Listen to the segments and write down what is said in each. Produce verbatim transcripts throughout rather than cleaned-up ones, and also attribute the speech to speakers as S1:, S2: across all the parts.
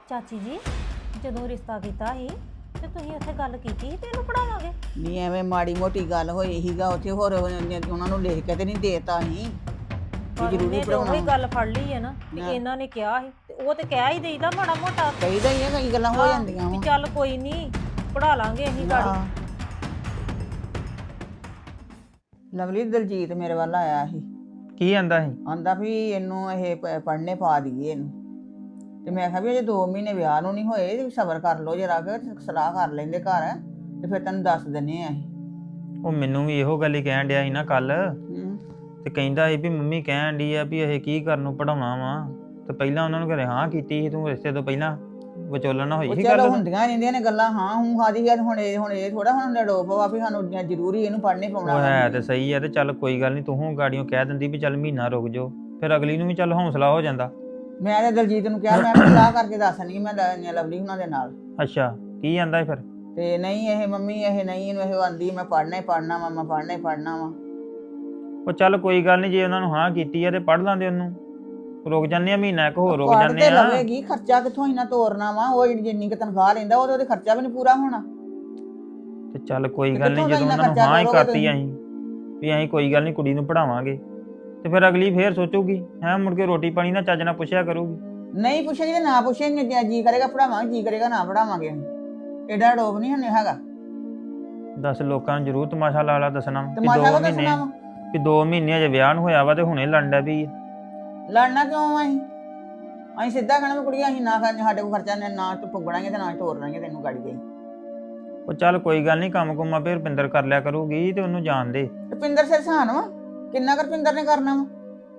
S1: ਚਾਚੀ ਜੀ ਜਦੋਂ ਰਿਸ਼ਤਾ ਕੀਤਾ ਸੀ ਤੇ ਤੁਸੀਂ ਉੱਥੇ ਗੱਲ ਕੀਤੀ ਸੀ ਤੇ ਇਹਨੂੰ ਪੜਾਵਾਂਗੇ।
S2: ਨਹੀਂ ਐਵੇਂ ਮਾੜੀ ਮੋਟੀ ਗੱਲ ਹੋਈ ਸੀਗਾ ਉੱਥੇ, ਹੋਰ ਉਹਨਾਂ ਨੂੰ ਲਿਖ ਕੇ ਤੇ ਨਹੀਂ ਦੇਤਾ ਸੀ
S1: ਪਰ
S2: ਜ਼ਰੂਰੀ
S1: ਉਹਨੇ ਤੇ ਉਹੀ
S2: ਪੜਾਉਣਾ।
S1: ਗੱਲ ਫੜ ਲਈ ਹੈ ਨਾ ਕਿ
S2: ਨਾ।
S1: ਇਹਨਾਂ ਨੇ ਕਿਹਾ ਸੀ ਤੇ ਉਹ ਤੇ ਕਹਿ ਹੀ ਦੇਈਦਾ ਮਾੜਾ ਮੋਟਾ
S2: ਕਹੀਦਾ ਹੀ ਆ, ਕਈ ਗੱਲਾਂ ਹੋ ਜਾਂਦੀਆਂ
S1: ਵੀ
S2: ਵਾ।
S1: ਚੱਲ ਕੋਈ ਨਹੀਂ ਪੜਾ ਲਾਂਗੇ ਅਸੀਂ ਗਾੜੀ।
S2: ਲਵਲੀ ਦਲਜੀਤ ਮੇਰੇ ਵੱਲ ਆਇਆ ਸੀ,
S3: ਕੀ ਆਂਦਾ ਸੀ?
S2: ਆਂਦਾ ਵੀ ਇਹਨੂੰ ਇਹ ਪ- ਪੜ੍ਹਨੇ ਪਾ ਦਈਏ ਇਹਨੂੰ। ਤੇ ਮੈਂ ਕਿਹਾ ਵੀ ਅਜੇ ਦੋ ਮਹੀਨੇ ਵਿਆਹ ਨੂੰ ਨਹੀਂ ਹੋਏ, ਸਬਰ ਕਰ ਲਓ ਜਰਾ ਕਿ ਸਲਾਹ ਕਰ ਲੈਂਦੇ ਘਰ ਤੇ ਫਿਰ ਤੈਨੂੰ ਦੱਸ ਦਿੰਨੇ ਆ ਅਸੀਂ।
S3: ਉਹ ਮੈਨੂੰ ਵੀ ਇਹੋ ਗੱਲ ਹੀ ਕਹਿਣ ਡਿਆ ਸੀ ਨਾ ਕੱਲ,
S2: ਹੂੰ।
S3: ਤੇ ਕਹਿੰਦਾ ਸੀ ਵੀ ਮੰਮੀ ਕਹਿਣ ਡਈ ਆ ਵੀ ਇਹ ਕੀ ਕਰਨ ਨੂੰ ਪੜਾਉਣਾ ਵਾ, ਤੇ ਪਹਿਲਾਂ ਉਹਨਾਂ ਨੂੰ ਘਰੇ ਹਾਂ ਕੀਤੀ ਸੀ ਤੂੰ ਰਿਸ਼ਤੇ ਤੋਂ ਪਹਿਲਾਂ, ਵਿਚੋਲਣ ਨਾ ਹੋਈ
S2: ਉਹ
S3: ਸੀ
S2: ਚਲੋ
S3: ਗੱਲ।
S2: ਹੁੰਦੀਆਂ ਰਹਿੰਦੀਆਂ ਨੇ ਗੱਲਾਂ, ਹਾਂ ਹੂੰ ਖਾਦੀ ਹੈ ਹੁਣ ਇਹ ਹੁਣ ਇਹ ਥੋੜਾ ਹੁਣ ਲੜੋ ਪਵਾ ਵੀ ਸਾਨੂੰ ਜ਼ਰੂਰੀ ਇਹਨੂੰ ਪੜ੍ਹਨੇ ਪਾਉਣਾ
S3: ਉਹ
S2: ਵਾ।
S3: ਹੈ ਤੇ ਸਹੀ ਆ, ਤੇ ਚੱਲ ਕੋਈ ਗੱਲ ਨਹੀਂ, ਤੂੰ ਗਾੜੀਆਂ ਕਹਿ ਦਿੰਦੀ ਵੀ ਚੱਲ ਮਹੀਨਾ ਰੁਕ ਜਾਓ, ਫਿਰ ਅਗਲੀ ਨੂੰ ਵੀ ਚੱਲ ਹੌਸਲਾ ਹੋ ਜਾਂਦਾ।
S2: ਮੈਂ ਤੇ ਦਲਜੀਤ ਨੂੰ ਕਿਹਾ ਮੈਂ ਵੀ ਸਲਾਹ ਕਰਕੇ ਦੱਸਣੀ ਮੈਂ ਲ- ਲਵਲੀ ਉਹਨਾਂ ਦੇ ਨਾਲ।
S3: ਅੱਛਾ, ਕੀ ਆਂਦਾ ਫਿਰ?
S2: ਤੇ ਨਹੀਂ ਇਹ ਮੰਮੀ ਇਹ ਨਹੀਂ ਇਹਨੂੰ ਇਹ ਆਂਦੀ ਮੈਂ ਪੜ੍ਹਨਾ ਹੀ ਪੜ੍ਹਨਾ ਵਾ, ਮੈਂ ਪੜ੍ਹਨਾ ਹੀ ਪੜ੍ਹਨਾ ਵਾ।
S3: ਉਹ ਚੱਲ ਕੋਈ ਗੱਲ ਨਹੀਂ, ਜੇ ਉਹਨਾਂ ਨੂੰ ਹਾਂ ਕੀਤੀ ਆ ਤੇ ਪੜ੍ਹ ਲਾਂਦੇ ਉਹਨੂੰ, ਰੁਕ ਜਾਂਦੇ ਆ ਮਹੀਨਾ ਇੱਕ ਹੋਰ ਰੁਕ
S2: ਪੜ੍ਹ
S3: ਜਾਂਦੇ
S2: ਤੇ
S3: ਆ।
S2: ਲਵੇਗੀ, ਖਰਚਾ ਕਿੱਥੋਂ ਇਹਨਾਂ ਤੋਰਨਾ ਵਾ, ਉਹ ਜਿਹੜੀ ਜਿੰਨੀ ਕੁ ਤਨਖਾਹ ਲੈਂਦਾ ਉਹਦੇ ਉਹਦੇ ਖਰਚਾ ਵੀ ਨਹੀਂ ਪੂਰਾ ਹੋਣਾ।
S3: ਤੇ ਚੱਲ ਕੋਈ
S2: ਤੇ
S3: ਗੱਲ ਨਹੀਂ,
S2: ਕਿੱਥੋਂ
S3: ਜਦੋਂ
S2: ਦਾ
S3: ਉਹਨਾਂ ਨੂੰ
S2: ਇੰਨਾ
S3: ਹਾਂ ਹੀ
S2: ਖਰਚਾ
S3: ਕਰਤੀ ਅਸੀਂ ਵੀ ਅਸੀਂ ਕੋਈ ਗੱਲ ਨਹੀਂ ਕੁੜੀ ਨੂੰ ਪੜਾਵਾਂਗੇ, ਤੇ ਫਿਰ ਅਗਲੀ ਫੇਰ ਸੋਚੂਗੀ ਹੈ, ਮੁੜ ਕੇ ਰੋਟੀ ਪਾਣੀ ਨਾ ਚੱਜ ਨਾਲ ਪੁੱਛਿਆ ਕਰੂਗੀ।
S2: ਨਹੀਂ ਪੁੱਛੇਗੀ ਤੇ ਨਾ ਪੁੱਛੇਗੀ, ਜੇ ਜੀ ਕਰੇਗਾ ਪੜਾਵਾਂਗੇ, ਜੀ ਕਰੇਗਾ ਨਾ ਪੜਾਵਾਂਗੇ। ਐਡਾ ਡੋਬ ਨਹੀਂ ਹਨੇ ਹੈਗਾ।
S3: ਦੱਸ ਲੋਕਾਂ ਨੂੰ ਜ਼ਰੂਰ ਤਮਾਸ਼ਾ ਲਾ ਲਾ ਦੱਸਣਾ ਵੀ
S2: ਤਮਾਸ਼ਾ
S3: ਦੋ
S2: ਕੋ
S3: ਮਹੀਨੇ
S2: ਦੱਸਣਾ ਵਾ,
S3: ਵੀ ਦੋ ਮਹੀਨੇ ਅਜੇ ਵਿਆਹ ਨੂੰ ਹੋਇਆ ਵਾ ਤੇ ਹੁਣੇ ਲੰਡਾ ਵੀ ਆ।
S2: ਲੜਨਾ ਕਿਉਂ ਅਸੀਂ ਅਸੀਂ ਸਿੱਧਾ ਕਹਿਣਾ ਵੀ ਕੁੜੀਆਂ ਅਸੀਂ ਨਾ ਖਾਣੇ, ਸਾਡੇ ਕੋਲ ਖਰਚਾ ਨਾ ਨਾ ਤੇ ਪੁੱਗਣਾਂਗੇ ਤੇ ਨਾ ਹੀ ਤੋਰ ਲਾਂਗੇ ਤੈਨੂੰ ਗਾੜੀ ਗਈ।
S3: ਉਹ ਚੱਲ ਕੋਈ ਗੱਲ ਨਹੀਂ, ਕੰਮ ਕੁੰਮਾ ਫੇਰ ਰੁਪਿੰਦਰ ਕਰ ਲਿਆ ਕਰੂਗੀ ਤੇ ਉਹਨੂੰ ਜਾਣ ਦੇ।
S2: ਰੁਪਿੰਦਰ ਸਿਰ ਸਾਨ ਵਾ, ਕਿੰਨਾ ਕੁ ਰੁਪਿੰਦਰ ਨੇ ਕਰਨਾ ਵਾ।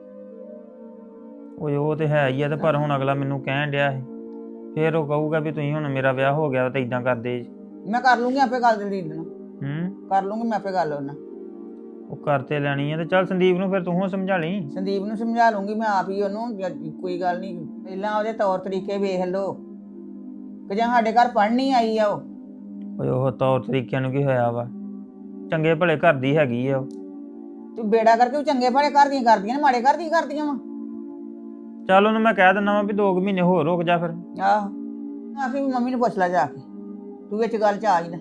S3: ਉਹ ਉਹ ਤੇ ਹੈ ਹੀ ਆ, ਤੇ ਪਰ ਹੁਣ ਅਗਲਾ ਮੈਨੂੰ ਕਹਿਣ ਡਿਆ ਸੀ, ਫੇਰ ਉਹ ਕਹੂਗਾ ਵੀ ਤੁਸੀਂ ਹੁਣ ਮੇਰਾ ਵਿਆਹ ਹੋ ਗਿਆ ਤੇ ਇਦਾਂ ਕਰਦੇ ਜੀ।
S2: ਮੈਂ ਕਰ ਲੂੰਗੀ ਆਪੇ ਗੱਲ ਦਲਜੀਤ ਨਾਲ,
S3: ਹੂੰ,
S2: ਕਰ ਲੂੰਗੀ ਮੈਂ ਆਪੇ ਗੱਲ ਉਹਨਾਂ।
S3: ਉਹ ਕਰਤੇ ਲੈਣੀ ਆ, ਤੇ ਚੱਲ ਸੰਦੀਪ ਨੂੰ ਫਿਰ ਤੂੰ ਸਮਝਾ ਲਈ।
S2: ਸੰਦੀਪ ਨੂੰ ਸਮਝਾ ਲੂੰਗੀ ਮੈਂ ਆਪ ਹੀ ਉਹਨੂੰ, ਜ- ਕੋਈ ਗੱਲ ਨਹੀਂ, ਪਹਿਲਾਂ ਉਹਦੇ ਤੌਰ ਤਰੀਕੇ ਵੇਖ ਲਓ ਕਿ ਜਾਂ ਸਾਡੇ ਘਰ ਪੜ੍ਹਨੀ ਆਈ ਆ ਉਹ।
S3: ਓਏ ਉਹ ਤੌਰ ਤਰੀਕਿਆਂ ਨੂੰ ਕੀ ਹੋਇਆ ਵਾ, ਚੰਗੇ ਭਲੇ ਘਰ ਦੀ ਹੈਗੀ ਆ ਉਹ।
S2: ਤੂੰ ਬੇੜਾ ਕਰਕੇ ਉਹ ਚੰਗੇ ਭਲੇ ਘਰ ਦੀਆਂ ਕਰਦੀਆਂ ਨੇ, ਮਾੜੇ ਘਰ ਦੀਆਂ ਕਰਦੀਆਂ ਵਾ।
S3: ਚੱਲ ਉਹਨੂੰ ਮੈਂ ਕਹਿ ਦਿੰਦਾ ਵਾ ਵੀ ਦੋ ਕੁ ਮਹੀਨੇ ਹੋਰ ਰੁਕ ਜਾ ਫਿਰ।
S2: ਆਹੋ ਆਖੀ ਵੀ ਮੰਮੀ ਨੂੰ ਪੁੱਛ ਲੈ ਜਾ ਕੇ, ਤੂੰ ਵਿੱਚ ਗੱਲ ਚ ਆ ਹੀ ਨਾ।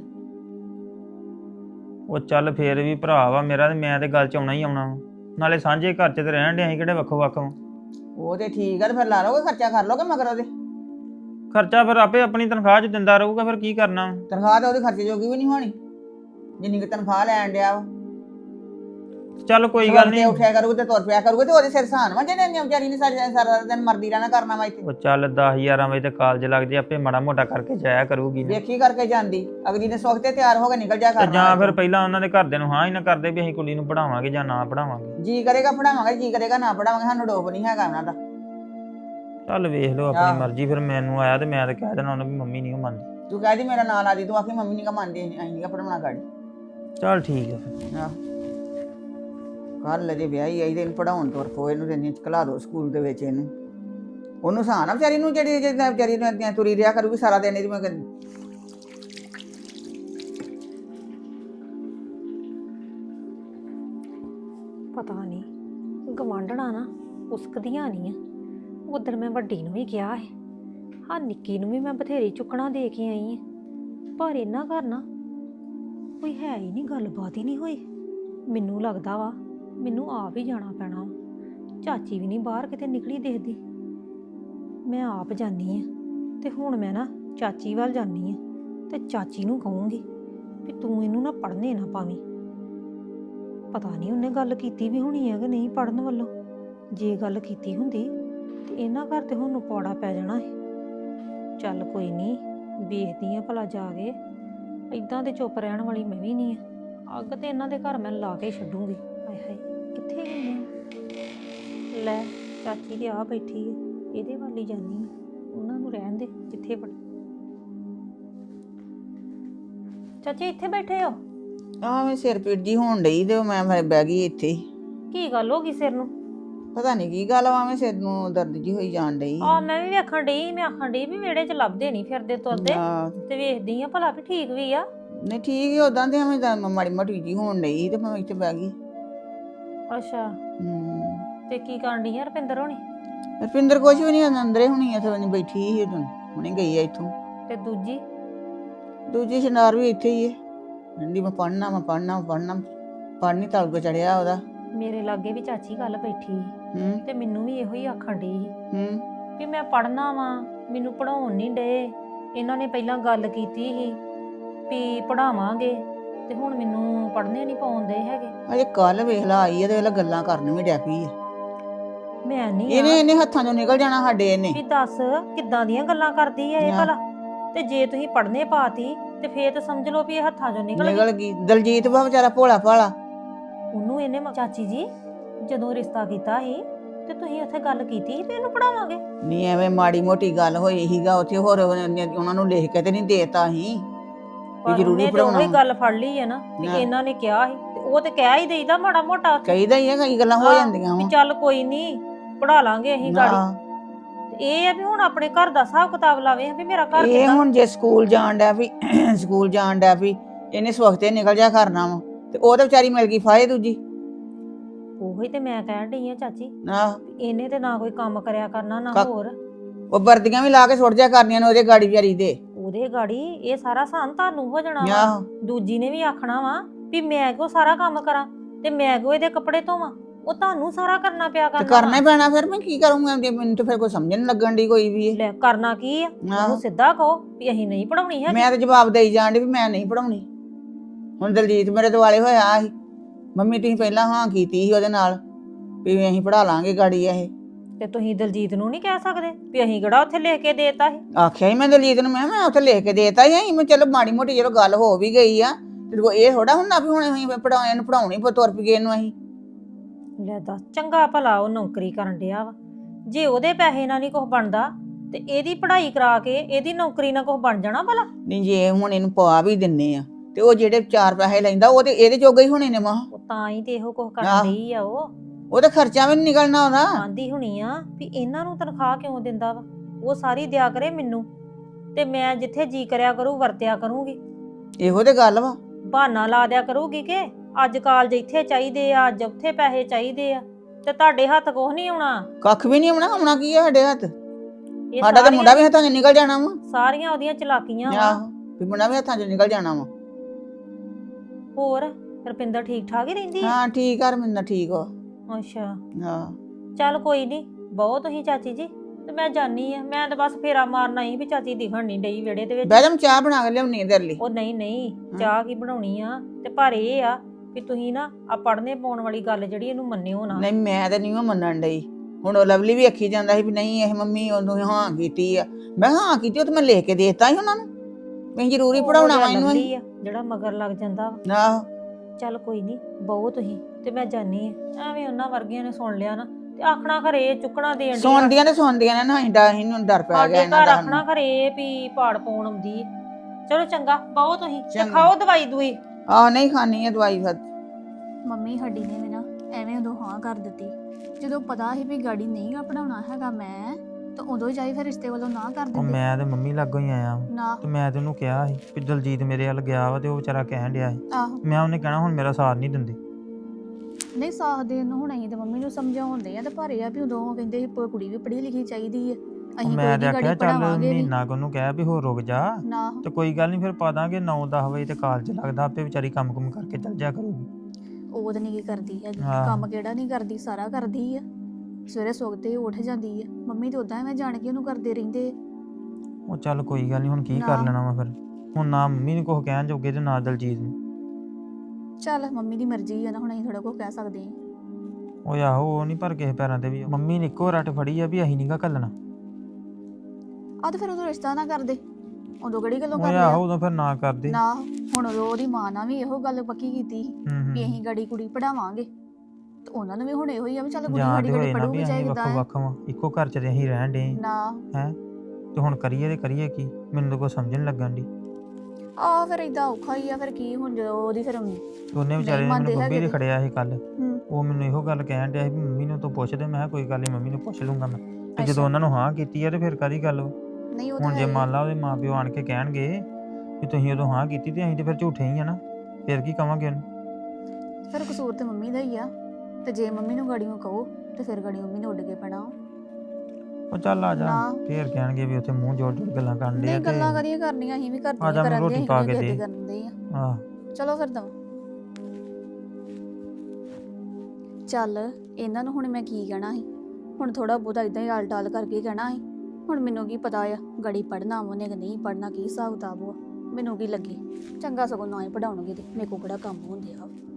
S3: ਉਹ ਚੱਲ ਫੇਰ ਵੀ ਭਰਾ ਵਾ ਮੇਰਾ, ਤੇ ਮੈਂ ਤੇ ਗੱਲ ਚ ਆਉਣਾ ਹੀ ਆਉਣਾ ਵਾ, ਨਾਲੇ ਸਾਂਝੇ ਘਰ ਚ ਤੇ ਰਹਿਣ ਦੇ ਅਸੀਂ ਕਿਹੜੇ ਵੱਖੋ ਵੱਖ ਵਾ।
S2: ਉਹ ਤੇ ਠੀਕ ਆ, ਤੇ ਫਿਰ ਲਾ ਲਓਗੇ ਖਰਚਾ ਕਰ ਲਓਗੇ ਮਗਰ ਉਹਦੇ।
S3: ਖਰਚਾ ਫਿਰ ਆਪੇ ਆਪਣੀ ਤਨਖਾਹ ਚ ਦਿੰਦਾ ਰਹੂਗਾ, ਫਿਰ ਕੀ ਕਰਨਾ ਵਾ।
S2: ਤਨਖਾਹ ਤਾਂ ਉਹਦੇ ਖਰਚੇ ਜੋਗੀ ਵੀ ਨਹੀਂ ਹੋਣੀ ਜਿੰਨੀ ਕੁ ਤਨਖਾਹ ਲੈਣ ਡਿਆ ਵਾ।
S3: ਚੱਲ ਕੋਈ ਗੱਲ ਨਹੀਂ,
S2: ਉੱਠਿਆ ਕਰੂਗੇ ਤੇ ਤੁਰ ਪਿਆ ਕਰੂਗੇ, ਤੇ ਉਹਦੇ ਸਿਰ ਸਾਨ ਵਾ ਜਿਹੜੇ ਵਿਚਾਰੀ ਨੇ ਸਾਰਾ ਸਾਰਾ ਦਿਨ ਮਰਦੀ ਰਹਿਣਾ ਕਰਨਾ ਵਾ ਇੱਥੇ।
S3: ਉਹ ਚੱਲ ਦਸ ਗਿਆਰਾਂ ਵਜੇ ਤੇ ਕਾਲਜ ਲੱਗ ਜੇ, ਆਪੇ ਮਾੜਾ ਮੋਟਾ ਕਰਕੇ ਜਾਇਆ ਕਰੂਗੀ ਨਾ।
S2: ਵੇਖੀ ਕਰਕੇ ਜਾਂਦੀ, ਅਗਲੀ ਨੇ ਸੁੱਖ ਤੇ ਤਿਆਰ ਹੋ ਕੇ ਨਿਕਲ ਜਾ
S3: ਤੇ
S2: ਕਰਨਾ।
S3: ਜਾਂ ਫਿਰ ਪਹਿਲਾਂ ਉਹਨਾਂ ਦੇ ਘਰਦਿਆਂ ਨੂੰ ਹਾਂ ਹੀ ਨਾ ਕਰਦੇ ਵੀ ਅਸੀਂ ਕੁੜੀ ਨੂੰ ਪੜਾਵਾਂਗੇ ਜਾਂ ਨਾ ਪੜਾਵਾਂਗੇ।
S2: ਜੀ ਕਰੇਗਾ ਪੜਾਵਾਂਗੇ, ਜੀ ਕਰੇਗਾ ਨਾ ਪੜਾਵਾਂਗੇ, ਸਾਨੂੰ ਡੋਪ ਨਹੀਂ ਹੈਗਾ ਉਹਨਾਂ ਦਾ।
S3: ਚੱਲ ਵੇਖ ਲਓ ਆਪਣੀ ਮਰਜ਼ੀ, ਫਿਰ ਮੈਨੂੰ ਆਇਆ ਤੇ ਮੈਂ ਤੇ ਕਹਿ ਦੇਣਾ ਉਹਨੂੰ ਵੀ ਮੰਮੀ ਨਹੀਂ ਉਹ ਮੰਨਦੀ।
S2: ਤੂੰ ਕਹਿ ਦੀ ਮੇਰਾ ਨਾਂ ਲਾ ਦੀ, ਤੂੰ ਆਖੀ ਮੰਮੀ ਨਹੀਂ ਕਾ ਮੰਨਦੀ, ਅਸੀਂ ਨਹੀਂ ਕਾ ਪੜਾਉਣਾ ਗਾੜੀ।
S3: ਚੱਲ ਠੀਕ ਆ ਫਿਰ।
S2: ਆਹ ਕੱਲ ਜੇ ਵਿਆਹੀ ਆਈ ਤੇ ਇਹਨੂੰ ਪੜਾਉਣ ਤੁਰ ਪੋ, ਇਹਨੂੰ ਤੇ ਘਲਾ ਦੋ ਸਕੂਲ ਦੇ ਵਿੱਚ ਇਹਨੂੰ। ਉਹਨੂੰ ਸਾਨ ਆ ਵਿਚਾਰੀ ਨੂੰ, ਜਿਹੜੀ ਜਿਹੜੀ ਵਿਚਾਰੀ ਨੂੰ ਤੁਰੀ ਰਿਹਾ ਕਰੂਗੀ ਸਾਰਾ ਦਿਨ ਇਹਦੀ। ਮੈਂ
S1: ਪਤਾ ਨਹੀਂ ਗਵਾਂਢਣਾ ਨਾ ਉਸਕਦੀਆਂ ਨਹੀਂ ਆ। ਉਧਰ ਮੈਂ ਵੱਡੀ ਨੂੰ ਵੀ ਕਿਹਾ ਹੈ, ਹਾਂ ਨਿੱਕੀ ਨੂੰ ਵੀ ਮੈਂ ਬਥੇਰੀ ਚੁੱਕਣਾ ਦੇ ਕੇ ਆਈ ਹਾਂ, ਪਰ ਇਹਨਾਂ ਘਰ ਨਾ ਕੋਈ ਹੈ ਹੀ ਨਹੀਂ, ਗੱਲਬਾਤ ਹੀ ਨਹੀਂ ਹੋਈ। ਮੈਨੂੰ ਲੱਗਦਾ ਵਾ ਮੈਨੂੰ ਆਪ ਹੀ ਜਾਣਾ ਪੈਣਾ ਵਾ। ਚਾਚੀ ਵੀ ਨਹੀਂ ਬਾਹਰ ਕਿਤੇ ਨਿਕਲੀ ਦੇਖਦੀ, ਮੈਂ ਆਪ ਜਾਂਦੀ ਹਾਂ। ਤੇ ਹੁਣ ਮੈਂ ਨਾ ਚਾਚੀ ਵੱਲ ਜਾਂਦੀ ਹਾਂ ਤੇ ਚਾਚੀ ਨੂੰ ਕਹੂੰਗੀ ਵੀ ਤੂੰ ਇਹਨੂੰ ਨਾ ਪੜ੍ਹਨੇ ਨਾ ਪਾਵੀਂ। ਪਤਾ ਨਹੀਂ ਉਹਨੇ ਗੱਲ ਕੀਤੀ ਵੀ ਹੋਣੀ ਹੈ ਕਿ ਨਹੀਂ ਪੜ੍ਹਨ ਵੱਲੋਂ। ਜੇ ਗੱਲ ਕੀਤੀ ਹੁੰਦੀ ਤੇ ਇਹਨਾਂ ਘਰ ਤੇ ਹੁਣ ਪੌੜਾ ਪੈ ਜਾਣਾ ਹੈ। ਚੱਲ ਕੋਈ ਨਹੀਂ, ਵੇਖਦੀ ਆ ਭਲਾ ਜਾ ਕੇ। ਇਦਾਂ ਤੇ ਚੁੱਪ ਰਹਿਣ ਵਾਲੀ ਮੈਂ ਵੀ ਨਹੀਂ ਆ। ਅੱਗ ਤੇ ਇਹਨਾਂ ਦੇ ਘਰ ਮੈਂ ਲਾ ਕੇ ਛੱਡੂੰਗੀ। ਹਾਏ ਹਾਏ ਕਿੱਥੇ ਗਈ ਆ? ਲੈ ਚਾਚੀ ਤੇ ਆ ਬੈਠੀ ਹੈ, ਇਹਦੇ ਵੱਲ ਹੀ ਜਾਂਦੀ ਆ। ਉਹਨਾਂ ਨੂੰ ਰਹਿਣ ਦੇ ਜਿੱਥੇ ਵੜ। ਚਾਚੀ ਇੱਥੇ ਬੈਠੇ ਹੋ?
S2: ਆਹ ਮੈਂ ਸਿਰ ਪੀੜ ਜੀ ਹੋਣ ਡਈ ਤੇ ਮੈਂ ਫਿਰ ਬਹਿ ਗਈ ਇੱਥੇ ਹੀ।
S1: ਕੀ ਗੱਲ ਹੋ ਗਈ ਸਿਰ ਨੂੰ?
S2: ਪਤਾ ਨਹੀਂ ਕੀ ਗੱਲ ਵਾ, ਮੈਂ ਸਿਰ ਨੂੰ ਦਰਦ ਜੀ ਹੋਈ ਜਾਣ ਡਈ।
S1: ਆ ਮੈਂ ਵੀ ਵੇਖਣ ਡਈ, ਮੈਂ ਆਖਣ ਡਈ ਵੀ ਵਿਹੜੇ 'ਚ ਲੱਭਦੇ ਨਹੀਂ ਫਿਰਦੇ ਤੁਰਦੇ,
S2: ਆਹ,
S1: ਤੇ ਵੇਖਦੀ ਆ ਭਲਾ ਵੀ ਠੀਕ ਵੀ ਆ।
S2: ਨਹੀਂ ਠੀਕ ਹੀ ਉਦਾਂ ਤੇ ਮੈਂ ਤਾਂ ਮਾੜੀ ਮੋਟੀ ਜੀ ਹੋਣ ਡਈ ਤੇ ਮੈਂ ਇੱਥੇ ਬਹਿ ਗਈ।
S1: ਅੱਛਾ
S2: ਹੂੰ
S1: ਤੇ ਕੀ ਕਰਨ ਡਈ ਆ ਰੁਪਿੰਦਰ ਹੋਣੀ?
S2: ਰੁਪਿੰਦਰ ਕੁਛ ਵੀ ਨਹੀਂ, ਅੰਦਰੇ ਹੋਣੀ ਇੱਥੇ ਬੈਠੀ ਸੀ ਉਦੋਂ। ਹੁਣੇ ਗਈ ਆ ਇੱਥੋਂ।
S1: ਤੇ ਦੂਜੀ
S2: ਦੂਜੀ ਸ਼ਨਾਰ ਵੀ ਇੱਥੇ ਹੀ ਹੈ, ਕਹਿੰਦੀ ਮੈਂ ਪੜ੍ਹਨਾ ਮੈਂ ਪੜ੍ਹਨਾ ਮੈਂ ਪੜ੍ਹਨਾ ਪੜ੍ਹਨੀ ਤਲ ਕੋ ਚੜਿਆ ਉਹਦਾ।
S1: ਮੇਰੇ ਲਾਗੇ ਵੀ ਚਾਚੀ ਗੱਲ ਬੈਠੀ ਸੀ
S2: ਹੂੰ
S1: ਤੇ ਮੈਨੂੰ ਵੀ ਇਹੋ ਹੀ ਆਖਣ ਡਈ ਸੀ
S2: ਹੂੰ
S1: ਵੀ ਮੈਂ ਪੜ੍ਹਨਾ ਵਾਂ, ਮੈਨੂੰ ਪੜਾਉਣ ਨਹੀਂ ਡੇ। ਇਹਨਾਂ ਨੇ ਪਹਿਲਾਂ ਗੱਲ ਕੀਤੀ ਸੀ ਵੀ ਪੜਾਵਾਂਗੇ ਤੇ ਹੁਣ ਮੈਨੂੰ ਪੜ੍ਹਨੇ ਨਹੀਂ ਪਾਉਂਦੇ ਹੈਗੇ।
S2: ਅਜੇ ਕੱਲ ਵੇਖ ਲਾ ਆਈ ਇਹਦੇ ਵੇਲੇ ਗੱਲਾਂ ਕਰਨ ਵੀ ਡੈ ਪਈ ਆ।
S1: ਮੈਂ ਨਹੀਂ
S2: ਇਹਨੇ ਇਹਨੇ ਹੱਥਾਂ ਚੋਂ ਨਿਕਲ ਜਾਣਾ ਸਾਡੇ ਇਹਨੇ।
S1: ਵੀ ਦੱਸ ਕਿੱਦਾਂ ਦੀਆਂ ਗੱਲਾਂ ਕਰਦੀ ਐ ਇਹ
S2: ਆਹ।
S1: ਭਲਾ। ਤੇ ਜੇ ਤੁਸੀਂ ਪੜ੍ਹਨੇ ਪਾਤੀ ਤੇ ਫੇਰ ਤਾਂ ਸਮਝ ਲਓ ਵੀ ਇਹ ਹੱਥਾਂ ਚੋਂ ਨਿਕਲ ਗਈ।
S2: ਨਿਕਲ ਗਈ। ਦਲਜੀਤ ਵਾ ਵਿਚਾਰਾ ਭੋਲਾ ਭਾਲਾ।
S1: ਉਹਨੂੰ ਇਹਨੇ ਮ- ਚਾਚੀ ਜੀ ਜਦੋਂ ਰਿਸ਼ਤਾ ਕੀਤਾ ਸੀ ਤੇ ਤੁਸੀਂ ਉੱਥੇ ਗੱਲ ਕੀਤੀ ਸੀ ਵੀ ਇਹਨੂੰ ਪੜਾਵਾਂਗੇ।
S2: ਨਹੀਂ ਐਵੇਂ ਮਾੜੀ ਮੋਟੀ ਗੱਲ ਹੋਈ ਸੀਗਾ ਉੱਥੇ, ਹੋਰ ਉਹਨੇ- ਉਹਨਾਂ ਨੂੰ ਲਿਖ ਕੇ ਤੇ ਨਹੀਂ ਦੇਤਾ ਸੀ
S1: ਪਰ
S2: ਜ਼ਰੂਰੀ
S1: ਉਹਨੇ ਤੇ
S2: ਪੜਾਉਣਾ।
S1: ਉਹੀ ਗੱਲ ਫੜ ਲਈ ਹੈ ਨਾ ਵੀ
S2: ਨਾ।
S1: ਇਹਨਾਂ ਨੇ ਕਿਹਾ ਸੀ ਤੇ ਉਹ ਤੇ ਕਹਿ ਹੀ ਦੇਈਦਾ ਮਾੜਾ ਮੋਟਾ ਉੱਥੇ
S2: ਕਹੀਦਾ ਹੀ ਆ, ਕਈ ਗੱਲਾਂ ਹੋ
S1: ਹਾਂ,
S2: ਜਾਂਦੀਆਂ
S1: ਵੀ
S2: ਵਾ।
S1: ਚੱਲ ਕੋਈ ਨਹੀਂ ਪੜਾ ਲਾਂਗੇ ਅਸੀਂ ਗਾੜੀ।
S2: ਨਾ,
S1: ਤੇ ਇਹ ਆ ਵੀ ਹੁਣ ਆਪਣੇ ਘਰ ਦਾ ਹਿਸਾਬ ਕਿਤਾਬ ਲਾਵੇ ਵੀ ਮੇਰਾ ਘਰ
S2: ਇਹ
S1: ਕਿੱਦਾਂ।
S2: ਹੁਣ ਜੇ ਸਕੂਲ ਜਾਣ ਡਿਆ ਵੀ ਸਕੂਲ ਜਾਣ ਡਿਆ ਵੀ ਇਹਨੇ ਸਵਖਤੇ ਨਿਕਲ ਜਾ ਕਰਨਾ ਵਾ, ਤੇ ਉਹ ਤੇ ਵਿਚਾਰੀ ਮਿਲ ਗਈ ਫਾਹੇ ਦੂਜੀ।
S1: ਉਹੀ ਤੇ ਮੈਂ ਕਹਿਣ ਡਈ ਆ ਚਾਚੀ
S2: ਆਹ
S1: ਵੀ ਇਹਨੇ ਤੇ ਨਾ ਕੋਈ ਕੰਮ ਕਰਿਆ ਕਰਨਾ ਨਾ
S2: ਕੱਖ-
S1: ਹੋਰ।
S2: ਉਹ ਵਰਦੀਆਂ ਵੀ ਲਾ ਕੇ ਸੁੱਟ ਜਾ ਕਰਨੀਆਂ ਨੇ ਉਹਦੇ ਗਾੜੀ ਵਿਚਾਰੀ ਦੇ।
S1: ਉਹਦੇ ਗਾੜੀ ਇਹ ਸਾਰਾ ਸਾਨ ਤੁਹਾਨੂੰ ਹੋ ਜਾਣਾ ਵਾ।
S2: ਆਹੋ
S1: ਦੂਜੀ ਨੇ ਵੀ ਆਖਣਾ ਵਾ ਵੀ ਮੈਂ ਕਿਉਂ ਸਾਰਾ ਕੰਮ ਕਰਾਂ ਤੇ ਮੈਂ ਕਿਉਂ ਇਹਦੇ ਕੱਪੜੇ ਧੋਵਾਂ। ਉਹ ਤੁਹਾਨੂੰ ਸਾਰਾ ਕਰਨਾ ਪਿਆ
S2: ਤੇ
S1: ਕਰਨਾ
S2: ਕਰਨਾ ਹੀ ਪੈਣਾ। ਫਿਰ ਮੈਂ ਕੀ ਕਰੂੰਗਾ ਜੇ ਮੈਨੂੰ ਤੇ ਫਿਰ ਕੋਈ ਸਮਝ ਨਹੀਂ ਲੱਗਣ ਦੀ ਕੋਈ ਵੀ ਇਹ।
S1: ਲੈ ਕਰਨਾ ਕੀ ਆ।
S2: ਆਹੋ।
S1: ਉਹਨੂੰ ਸਿੱਧਾ ਕਹੋ ਵੀ ਅਸੀਂ ਨਹੀਂ ਪੜਾਉਣੀ ਹੈ।
S2: ਮੈਂ ਤਾਂ ਜਵਾਬ ਦੇਈ ਜਾਣ ਡਈ ਵੀ ਮੈਂ ਨਹੀਂ ਪੜਾਉਣੀ। ਹੁਣ ਦਲਜੀਤ ਮੇਰੇ ਦੁਆਲੇ ਹੋਇਆ ਸੀ, ਮੰਮੀ ਤੁਸੀਂ ਪਹਿਲਾਂ ਹਾਂ ਕੀਤੀ ਸੀ ਉਹਦੇ ਨਾਲ ਵੀ ਅਸੀਂ ਪੜਾ ਲਾਂਗੇ ਗਾੜੀ ਇਹ।
S1: ਤੇ ਤੁਸੀਂ ਦਲਜੀਤ ਨੂੰ ਨਹੀਂ ਕਹਿ ਸਕਦੇ ਵੀ ਅਸੀਂ ਕਿਹੜਾ ਉੱਥੇ ਲਿਖ ਕੇ ਦੇਤਾ ਸੀ।
S2: ਆਖਿਆ ਹੀ ਮੈਂ ਦਲਜੀਤ ਨੂੰ, ਮੈਂ ਮੈਂ ਉੱਥੇ ਲਿਖ ਕੇ ਦੇਤਾ ਹੀ। ਮੈਂ ਚਲੋ ਮਾੜੀ ਮੋਟੀ ਜਦੋਂ ਗੱਲ ਹੋ ਵੀ ਗਈ ਆ ਤੇ ਇਹ ਥੋੜਾ ਹੁੰਦਾ ਵੀ ਹੁਣ ਅਸੀਂ ਪੜਾਉਣ ਨੂੰ ਪੜਾਉਣੀ ਪੋ ਤੁਰ ਪਈਏ ਇਹਨੂੰ ਅਸੀਂ।
S1: ਲੈ ਦੱਸ ਚੰਗਾ ਭਲਾ ਉਹ ਨੌਕਰੀ ਕਰਨ ਡਿਆ ਵਾ। ਜੇ ਉਹਦੇ ਪੈਸੇ ਨਾਲ ਨਹੀਂ ਕੁਝ ਬਣਦਾ ਤੇ ਇਹਦੀ ਪੜ੍ਹਾਈ ਕਰਾ ਕੇ ਇਹਦੀ ਨੌਕਰੀ ਨਾਲ ਕੁਝ ਬਣ ਜਾਣਾ ਭਲਾ।
S2: ਨਹੀਂ ਜੇ ਹੁਣ ਇਹਨੂੰ ਪਵਾ ਵੀ ਦਿੰਨੇ ਆ ਤੇ ਉਹ ਜਿਹੜੇ ਚਾਰ ਪੈਸੇ ਲੈਂਦਾ ਉਹ ਤੇ ਇਹਦੇ ਜੋਗੇ ਹੀ ਹੋਣੇ ਨੇ ਮਾਂ।
S1: ਉਹ ਤਾਂ ਹੀ ਤੇ ਇਹੋ ਕੁਝ ਕਰਨ
S2: ਆਹ।
S1: ਡਈ ਆ। ਉਹ
S2: ਉਹਦਾ ਖਰਚਾ ਵੀ ਨੀ ਨਿਕਲਣਾ ਉਹਦਾ।
S1: ਆਂਦੀ ਹੁਣੀ ਆ ਵੀ ਇਹਨਾਂ ਨੂੰ ਤਨਖਾਹ ਕਿਉਂ ਦਿੰਦਾ ਵਾ। ਉਹ ਸਾਰੀ ਦਿਆ ਕਰੇ ਮੈਨੂੰ ਤੇ ਮੈਂ ਜਿੱਥੇ ਜੀ ਕਰਿਆ ਕਰੂ ਵਰਤਿਆ ਕਰੂੰਗੀ।
S2: ਇਹੋ ਤੇ ਗੱਲ ਵਾ।
S1: ਬਹਾਨਾ ਲਾ ਦਿਆ ਕਰੂਗੀ ਕਿ ਅੱਜ ਕਾਲਜ ਇੱਥੇ ਚਾਹੀਦੇ ਆ, ਅੱਜ ਉੱਥੇ ਪੈਸੇ ਚਾਹੀਦੇ ਆ ਤੇ ਤੁਹਾਡੇ ਹੱਥ ਕੁਝ ਨਹੀਂ ਆਉਣਾ।
S2: ਕੱਖ ਵੀ ਨਹੀਂ ਆਉਣਾ। ਆਉਣਾ ਕੀ ਆ ਸਾਡੇ ਹੱਥ?
S1: ਇਹ
S2: ਸਾਡਾ ਤਾਂ
S1: ਸਾਰੀਆਂ-
S2: ਮੁੰਡਾ ਵੀ ਹੱਥਾਂ 'ਚ ਨਿਕਲ ਜਾਣਾ ਵਾ।
S1: ਸਾਰੀਆਂ ਉਹਦੀਆਂ ਚਲਾਕੀਆਂ ਵਾ।
S2: ਆਹੋ ਵੀ ਮੁੰਡਾ ਵੀ ਹੱਥਾਂ 'ਚ ਨਿਕਲ ਜਾਣਾ ਵਾ।
S1: ਹੋਰ ਰੁਪਿੰਦਰ ਠੀਕ ਠਾਕ ਹੀ ਰਹਿੰਦੀ ਆ?
S2: ਹਾਂ ਠੀਕ ਆ ਰਮਿੰਦਰ, ਠੀਕ ਆ।
S1: ਅੱਛਾ
S2: ਹਾਂ
S1: ਚੱਲ ਕੋਈ ਨਹੀਂ ਬਹੁਤ ਤੁਸੀਂ ਚਾਚੀ ਜੀ ਤੇ ਮੈਂ ਜਾਨੀ ਆ। ਮੈਂ ਤਾਂ ਬਸ ਫੇਰਾ ਮਾਰਨਾ ਹੀ ਵੀ ਚਾਚੀ ਦਿਖਣ ਨਹੀਂ ਡਈ ਵਿਹੜੇ ਦੇ ਵਿੱਚ।
S2: ਬਹਿ ਜਾ ਮੈਂ ਚਾਹ ਬਣਾ ਕੇ ਲਿਆਉਣੀ ਤੇਰੇ ਲਈ।
S1: ਉਹ ਨਹੀਂ ਨਹੀਂ ਚਾਹ ਕੀ ਬਣਾਉਣੀ ਆ ਤੇ ਪਰ ਇਹ ਆ ਵੀ ਤੁਸੀਂ ਨਾ ਆ ਪੜ੍ਹਨੇ ਪਾਉਣ ਵਾਲੀ ਗੱਲ ਜਿਹੜੀ ਇਹਨੂੰ ਮੰਨਿਓ ਨਾ।
S2: ਨਹੀਂ ਮੈਂ ਤਾਂ ਨਹੀਂ ਉਹ ਮੰਨਣ ਡਈ। ਹੁਣ ਉਹ ਲਵਲੀ ਵੀ ਆਖੀ ਜਾਂਦਾ ਸੀ ਵੀ ਨਹੀਂ ਇਹ ਮੰਮੀ ਉਹਨੂੰ ਹਾਂ ਕੀਤੀ ਆ। ਮੈਂ ਹਾਂ ਕੀਤੀ, ਉਹ ਤਾਂ ਮੈਂ ਲਿਖ ਕੇ ਦੇਤਾ ਸੀ ਉਹਨਾਂ ਨੂੰ ਮੈਂ ਜ਼ਰੂਰੀ
S1: ਉਹ
S2: ਪੜਾਉਣਾ ਵਾ
S1: ਜਿਹੜਾ
S2: ਇਹਨੂੰ।
S1: ਲਵਲੀ ਆ, ਜਿਹੜਾ ਮਗਰ ਲੱਗ ਜਾਂਦਾ ਵਾ।
S2: ਆਹੋ
S1: ਚੱਲ ਕੋਈ ਨਹੀਂ ਬਹੁਤ ਤੁਸੀਂ ਤੇ ਮੈਂ ਜਾਨੀ ਆ। ਐਵੇਂ ਉਹਨਾਂ ਵਰਗਿਆਂ ਨੇ ਸੁਣ ਲਿਆ ਨਾ ਤੇ ਆਖਣਾ ਘਰੇ ਚੁੱਕਣਾ ਦੇਣ ਦੀ
S2: ਸੁਣਦੀਆਂ ਤੇ ਸੁਣਦੀਆਂ ਨੇ ਨਾ। ਇੰਡਾ ਇਹਨੂੰ ਡਰ ਪੈ ਗਿਆ
S1: ਸਾਡੇ
S2: ਇਹਨਾਂ
S1: ਘਰ
S2: ਦਾ।
S1: ਆਖਣਾ ਘਰੇ ਵੀ ਪਾੜ ਪਾਉਣ ਆਉਂਦੀ ਆ। ਚਲੋ ਚੰਗਾ ਬਹੁਤ ਤੁਸੀਂ ਤੇ
S2: ਚੰਗਾ।
S1: ਖਾਓ ਦਵਾਈ ਦੂਈ।
S2: ਆਹ ਨਹੀਂ ਖਾਣੀ ਆ ਦਵਾਈ ਫਿਰ।
S4: ਮੰਮੀ ਸਾਡੀ ਨੇ ਵੀ ਨਾ ਐਵੇਂ ਉਦੋਂ ਹਾਂ ਕਰ ਦਿੱਤੀ ਜਦੋਂ ਪਤਾ ਸੀ ਵੀ ਗਾੜੀ ਨਹੀਂ ਗਾ ਪੜਾਉਣਾ ਹੈਗਾ ਮੈਂ ਤਾਂ ਉਦੋਂ ਹੀ ਜਾਈ ਫਿਰ ਰਿਸ਼ਤੇ ਵੱਲੋਂ ਨਾ ਕਰ
S3: ਉਹ
S4: ਦਿੰਦੇ।
S3: ਮੈਂ ਤੇ ਮੰਮੀ ਲਾਗੋਂ ਹੀ ਆਇਆ ਵਾਂ।
S4: ਨਾ
S3: ਤੇ ਮੈਂ ਤੇ ਉਹਨੂੰ ਕਿਹਾ ਸੀ ਵੀ ਦਲਜੀਤ ਮੇਰੇ ਵੱਲ ਗਿਆ ਵਾ ਤੇ ਉਹ ਵਿਚਾਰਾ ਕਹਿਣ ਡਿਆ ਸੀ।
S4: ਆਹੋ
S3: ਮੈਂ ਉਹਨੇ ਕਹਿਣਾ ਹੁਣ ਮੇਰਾ ਸਾਥ ਨਹੀਂ ਦਿੰਦੇ।
S4: ਨਹੀਂ ਸਾਥ ਦੇਣ ਨੂੰ ਹੁਣ ਅਸੀਂ ਤੇ ਮੰਮੀ ਨੂੰ ਸਮਝਾਉਂਦੇ ਆ ਤੇ ਪਰ ਇਹ ਆ ਵੀ ਉਦੋਂ ਉਹ ਕਹਿੰਦੇ ਸੀ ਪ- ਕੁੜੀ ਵੀ ਪੜ੍ਹੀ ਲਿਖੀ ਚਾਹੀਦੀ ਹੈ
S3: ਉਹ
S4: ਅਸੀਂ
S3: ਮੈਂ
S4: ਕੋਈ
S3: ਤੇ
S4: ਨਹੀਂ ਗਾੜੀ
S3: ਆਖਿਆ ਚੱਲ
S4: ਪੜਾਵਾਂਗੇ ਵੀ
S3: ਮਹੀਨਾ ਕੁ ਉਹਨੂੰ ਕਹਿ ਵੀ ਹੋਰ ਰੁਕ ਜਾ
S4: ਨਾ
S3: ਤੇ ਕੋਈ ਗੱਲ ਨਹੀਂ ਫਿਰ ਪਾ ਦਾਂਗੇ ਨੌ ਦਸ ਵਜੇ ਤੇ ਕਾਲਜ ਲੱਗਦਾ ਆਪੇ ਵਿਚਾਰੀ ਕੰਮ ਕੁਮ ਕਰਕੇ ਚੱਲ ਜਾ ਕਰੂਗੀ।
S4: ਉਹ ਤਾਂ ਨਹੀਂ ਕੀ ਕਰਦੀ ਹੈਗੀ
S3: ਹਾਂ।
S4: ਕੰਮ ਕਿਹੜਾ ਨਹੀਂ ਕਰਦੀ ਸਾਰਾ ਕਰਦੀ ਆ ਸਵੇਰੇ ਸੁੱਤੇ ਹੀ ਉੱਠ ਜਾਂਦੀ ਆ। ਮੰਮੀ ਤੇ ਉਦਾਂ ਐਵੇਂ ਜਾਣ ਕੇ ਉਹਨੂੰ ਕਰਦੇ ਰਹਿੰਦੇ ਆ।
S3: ਉਹ ਚੱਲ ਕੋਈ ਗੱਲ ਨਹੀਂ ਹੁਣ ਕੀ ਕਰ
S4: ਨਾ।
S3: ਲੈਣਾ ਵਾ ਫਿਰ। ਹੁਣ ਨਾ ਮੰਮੀ ਨੂੰ ਕੁਝ ਕਹਿਣ ਜੋਗੇ ਤੇ ਨਾ ਦਲਜੀਤ ਨੂੰ।
S4: ਚੱਲ ਮੰਮੀ ਦੀ ਮਰਜ਼ੀ ਆ ਨਾ ਹੁਣ ਅਸੀਂ ਥੋੜਾ ਕੁਝ ਕਹਿ ਸਕਦੇ ਹਾਂ।
S3: ਉਹ ਆਹੋ ਉਹ ਨਹੀਂ ਪਰ ਕਿਸੇ ਪੈਰਾਂ ਤੇ ਵੀ ਮੰਮੀ ਨੇ ਇੱਕੋ ਰੱਟ ਫੜੀ ਆ ਵੀ ਅਸੀਂ ਨਹੀਂਗਾ ਘੱਲਣਾ।
S4: ਆ ਤੇ ਫਿਰ ਉਦੋਂ ਰਿਸ਼ਤਾ ਨਾ ਕਰਦੇ ਉਦੋਂ ਕਿਹੜੀ ਗੱਲੋਂ ਕਰ
S3: ਉਹ
S4: ਲਿਆ
S3: ਆਹੋ ਉਦੋਂ ਫਿਰ ਨਾ ਕਰਦੇ।
S4: ਨਾ ਹੁਣ ਉਦੋਂ ਉਹਦੀ ਮਾਂ ਨਾਲ ਵੀ ਇਹੋ ਗੱਲ ਪੱਕੀ ਕੀਤੀ ਸੀ
S3: ਹੂੰ
S4: ਵੀ
S3: ਹੂੰ
S4: ਅਸੀਂ ਗਾੜੀ ਕੁੜੀ ਪੜਾਵਾਂਗੇ ਤੇ ਉਹਨਾਂ ਨੂੰ ਵੀ ਹੁਣ ਇਹੋ ਹੀ ਆ ਵੀ ਚੱਲ ਕੁੜੀ
S3: ਜਾਂ
S4: ਸਾਡੀ
S3: ਤੇ
S4: ਗਾੜੀ
S3: ਹੋਏ ਨਾ
S4: ਪੜੂਗੀ
S3: ਵੀ
S4: ਚਾਹੇ
S3: ਅਸੀਂ
S4: ਕਿੱਦਾਂ
S3: ਵੱਖੋ
S4: ਆ।
S3: ਵੱਖ ਵਾਂ ਇੱਕੋ ਘਰ 'ਚ ਤੇ ਅਸੀਂ ਰਹਿਣ ਡੇ
S4: ਨਾ
S3: ਹੈ ਤੇ ਹੁਣ ਕਰੀਏ ਤੇ ਕਰੀਏ ਕੀ ਮੈਨੂੰ ਤਾਂ ਕੋਈ ਸਮਝ ਨਹੀਂ ਲੱਗਣ ਦੀ।
S4: ਆ ਫਿਰ ਏਦਾਂ ਔਖਾ ਹੀ ਆ ਫਿਰ ਕੀ ਹੁਣ ਜਦੋਂ ਉਹਦੀ ਫਿਰ
S3: ਉਹਨੇ ਵਿਚਾਰੇ ਨੇ
S4: ਮੰਨਦੇ
S3: ਮੈਨੂੰ ਬੱਬੀ
S4: ਹੈਗੇ
S3: ਦੇ
S4: ਤੇ।
S3: ਖੜਿਆ ਸੀ ਕੱਲ।
S4: ਹੂੰ
S3: ਉਹ ਮੈਨੂੰ ਇਹੋ ਗੱਲ ਕਹਿਣ ਡਿਆ ਸੀ ਵੀ ਮੰਮੀ ਨੂੰ ਤੂੰ ਪੁੱਛ ਦੇ। ਮੈਂ ਕਿਹਾ ਕੋਈ ਗੱਲ ਨਹੀਂ ਮੰਮੀ ਨੂੰ ਪੁੱਛ ਲੂੰਗਾ ਮੈਂ। ਤੇ
S4: ਅੱਛਾ।
S3: ਜਦੋਂ ਉਹਨਾਂ ਨੂੰ ਹਾਂ ਕੀਤੀ ਆ ਤੇ ਫਿਰ ਕਾਹਦੀ ਗੱਲ ਵਾ?
S4: ਨਹੀਂ ਉਹ ਤਾਂ
S3: ਹੁਣ ਜੇ
S4: ਹੈ ਹੀ।
S3: ਮੰਨ ਲਾ ਉਹਦੇ ਮਾਪਿਓ ਆਣ ਕੇ ਕਹਿਣਗੇ ਵੀ ਤੁਸੀਂ ਉਦੋਂ ਹਾਂ ਕੀਤੀ ਤੇ ਅਸੀਂ ਤੇ ਫਿਰ ਝੂਠੇ ਹੀ ਆ ਨਾ। ਫਿਰ ਕੀ ਕਵਾਂਗੇ ਉਹਨੂੰ?
S4: ਫਿਰ ਕਸੂਰ ਤੇ ਮੰਮੀ ਦਾ ਹੀ ਆ ਤੇ ਜੇ ਮੰਮੀ ਨੂੰ ਗਾੜੀਆਂ ਕਹੋ ਤੇ ਫਿਰ ਗਾੜੀ ਮੰਮੀ ਨੇ ਉੱਡ ਕੇ ਪੈਣਾ।
S3: ਉਹ ਚੱਲ ਆ ਜਾ
S4: ਨਾ।
S3: ਫੇਰ ਕਹਿਣਗੇ ਵੀ ਉੱਥੇ ਮੂੰਹ ਜੋੜ ਜੋੜ ਗੱਲਾਂ ਕਰਨ ਦੇ
S4: ਨਹੀਂ ਗੱਲਾਂ ਕਰੀਏ ਕਰਨੀਆਂ ਅਸੀਂ ਵੀ
S3: ਆ ਜਾ
S4: ਕਰਦੀਆਂ
S3: ਮੈਨੂੰ
S4: ਕਰਨ ਦੇ
S3: ਰੋਟੀ
S4: ਅਸੀਂ
S3: ਪਾ
S4: ਵੀ
S3: ਕੇ ਦੇ।
S4: ਕਰਨ ਦੇ ਆ
S3: ਆਹ
S4: ਚਲੋ ਫਿਰ ਦਵਾਂ ਚੱਲ ਇਹਨਾਂ ਨੂੰ ਹੁਣ ਮੈਂ ਕੀ ਕਹਿਣਾ ਸੀ ਹੁਣ ਥੋੜਾ ਬਹੁਤਾ ਇਦਾਂ ਹੀ ਆਲ ਟਾਲ ਕਰਕੇ ਕਹਿਣਾ ਸੀ ਹੁਣ ਮੈਨੂੰ ਕੀ ਪਤਾ ਆ ਗੜੀ ਪੜਨਾ ਉਹਨੇ ਕਿ ਨਹੀਂ ਪੜਨਾ ਕੀ ਹਿਸਾਬ ਕਿਤਾਬ ਆ ਮੈਨੂੰ ਕੀ ਲੱਗੇ ਚੰਗਾ ਸਗੋਂ ਨਾ ਹੀ ਪੜਾਉਣਗੇ ਤੇ ਮੇਰੇ ਕੋਲ ਕਿਹੜਾ ਕੰਮ ਹੁੰਦੇ ਆ